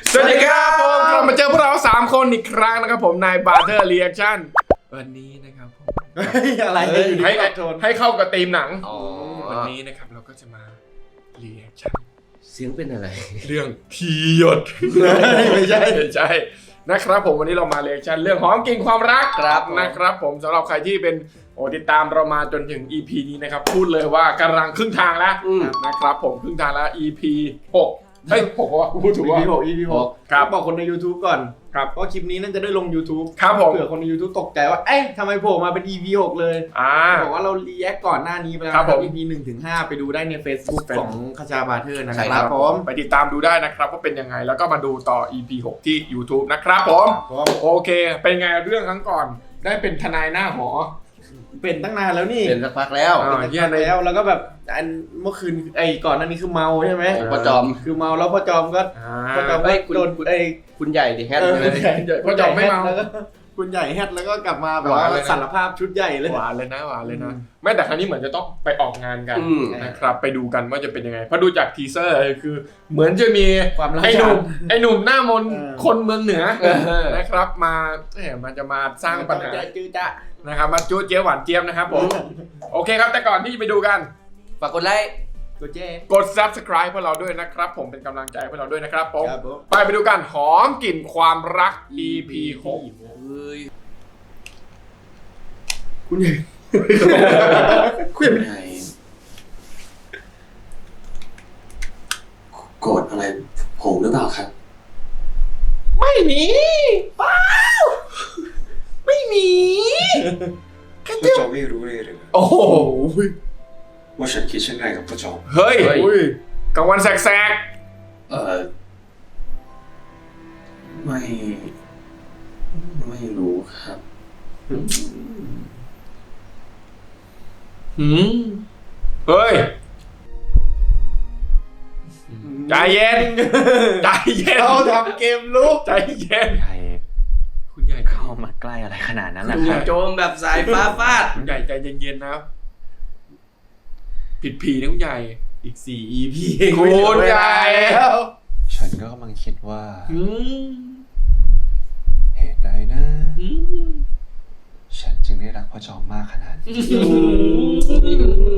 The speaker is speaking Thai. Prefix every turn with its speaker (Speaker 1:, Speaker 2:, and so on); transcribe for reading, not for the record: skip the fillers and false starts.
Speaker 1: สวัสดีครับผมกลับมาเจอพวกเรา3คนอีกครั้งนะครับผมนายบาร์เทอร์เรีแอคชั่นวันนี้นะครับผม
Speaker 2: อะไร
Speaker 1: ให้เข้ากับธีมหนังวันนี้นะครับเราก็จะมาเรีแอคชั่น
Speaker 3: เสียงเป็นอะไร
Speaker 1: เรื่องทีหยด
Speaker 2: ไม่ใช่
Speaker 1: นะครับผมวันนี้เรามาเรีแอคชั่นเรื่องหอมกลิ่นความรัก
Speaker 3: ครับ
Speaker 1: นะครับผมสำหรับใครที่เป็นติดตามเรามาจนถึง EP นี้นะครับพูดเลยว่ากำลังครึ่งทางแล้วนะครับผมครึ่งทางแล้ว EP 6เฮ้ย6ว่าพูดถูกว่า
Speaker 2: EP 6
Speaker 1: ครับ
Speaker 2: บอกคนใน YouTube ก่อน
Speaker 1: ครับ
Speaker 2: เพราะคลิปนี้น่าจะได้ลง YouTube
Speaker 1: ครับผม
Speaker 2: เผื่อคนใน YouTube ตกใจว่าเอ๊ะทำไมโผล่มาเป็น EP 6 เลยบอกว่าเรารีแอคก่อนหน้านี้ไปแล้ว
Speaker 1: ครับผม
Speaker 2: EP 1-5 ไปดูได้ใน Facebook ของคชาบาเทอร์นะค
Speaker 3: ใช่
Speaker 2: รับ
Speaker 3: ครับ
Speaker 2: ผม
Speaker 1: ไปติดตามดูได้นะครับว่าเป็นยังไงแล้วก็มาดูต่อ EP 6 ที่ YouTube นะครับผม โอเค เป็นไงเรื่องครั้งก่อนได้เป็นทนายหน้าหอ
Speaker 2: เป็นตั้งนานแล้วนี่
Speaker 3: เป็นสักพักแล้ว
Speaker 1: อ่า
Speaker 2: เป็นตั้งนานแล้วก็แบบอันเมื่อคืนก่อนหน้านี้คือเมาใช่ไหม
Speaker 3: พ่อจอม
Speaker 2: คือเมาแล้วพ่อจอมก็พ่อจอม
Speaker 3: เฮ้
Speaker 2: ก็
Speaker 3: ยคุณ
Speaker 2: โดน
Speaker 3: คุณใหญ่ดิแฮท
Speaker 2: เออ
Speaker 3: เลย
Speaker 1: พ่อจอมไม่เมา
Speaker 2: แล้วก็คุณใหญ่แฮทแล้วก็กลับมาแบบ
Speaker 1: หวา
Speaker 2: ว่าน
Speaker 1: เลยนะ
Speaker 2: สารภาพชุดใหญ่เลย
Speaker 1: หวานเลยนะแม้แต่ครั้งนี้เหมือนจะต้องไปออกงานกัน
Speaker 3: อืม
Speaker 1: นะครับไปดูกันว่าจะเป็นยังไงเพราะดูจากทีเซอร์คือ เหมือนจะมี
Speaker 2: ความรัก
Speaker 1: ไอ้หนุ่มหน้ามนต์
Speaker 2: เออ
Speaker 1: คนเมืองเหนือ
Speaker 3: เออ
Speaker 1: นะครับมามันจะมาสร้างปัญหา
Speaker 2: จื้อจ้ะ
Speaker 1: นะครับมาจู้เจี๊ยบหวานเจี๊ยบนะครับผมโอเคครับแต่ก่อนที่จะไปดูกัน
Speaker 3: ฝากกดไลค์
Speaker 2: ตัวเจ๊
Speaker 1: กด subscribe พวกเราด้วยนะครับผมเป็นกำลังใจให้พวกเราด้วยนะครับผม
Speaker 2: ครับผม
Speaker 1: ไปดูกันหอมกลิ่นความรัก EP
Speaker 3: เฮ้ย
Speaker 2: คุณใหญ่
Speaker 4: คุณนายโกรธอะไรผมหรือเปล่าครับ
Speaker 1: ไม่มีเปล่าไม่มี
Speaker 4: พ่อจอมไม่รู้เลยหรือ
Speaker 1: โอ้โห
Speaker 4: ว่าฉันคิดเช่นไรกับพ่อจอม
Speaker 1: เฮ้ยกลางวันแสก
Speaker 4: ไม่รู้ครับ
Speaker 1: เฮ้ยใจเย็นใจเย็น
Speaker 2: เราทำเกมลุก
Speaker 1: ใจเย็น
Speaker 5: ใคร
Speaker 1: คุณใหญ่
Speaker 5: เข้ามาใกล้อะไรขนาดนั้นล่ะค
Speaker 3: จู่
Speaker 5: รับ
Speaker 3: โจมแบบสายฟ้าฟาด
Speaker 1: คุณใหญ่ใจเย็นๆนะผิดผีนะคุณใหญ่
Speaker 2: อีก4 EP
Speaker 1: คุณใหญ่
Speaker 2: แล้ว
Speaker 5: ฉันก็กำลังคิดว่า
Speaker 1: อืม
Speaker 5: เหตุใดนะ
Speaker 1: อืม
Speaker 5: ฉันจึงได้รักพ่อจอมมากขนาดนี้